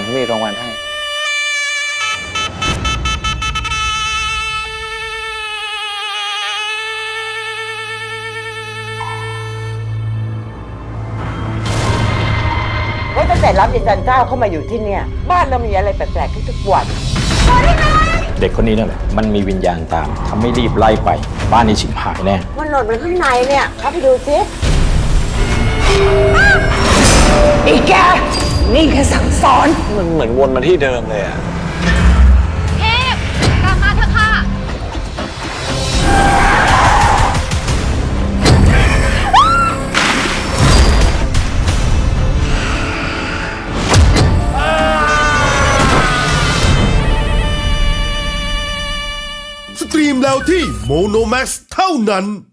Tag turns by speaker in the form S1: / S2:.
S1: มีรางวัลให้
S2: ตั้งแต่รับอาจารย์ก้าวเข้ามาอยู่ที่เนี่ยบ้านเรามีอะไรแปลกๆทุกวัน
S3: เด็กคนนี้นั่นแหละมันมีวิญญาณตามทำไม่รีบไล่ไปบ้านนี้ฉิบหายแน่
S2: มันหล่นไปข้างในเนี่ยเข้าไปดูสิอีแกนี่แค่สั่งสอน
S1: มันเหมือนวนมาที่เดิมเลยอะ
S4: เทพกลับมาเถอะค่ะ
S5: สตรีมแล้วที่โมโนแม็กซ์เท่านั้น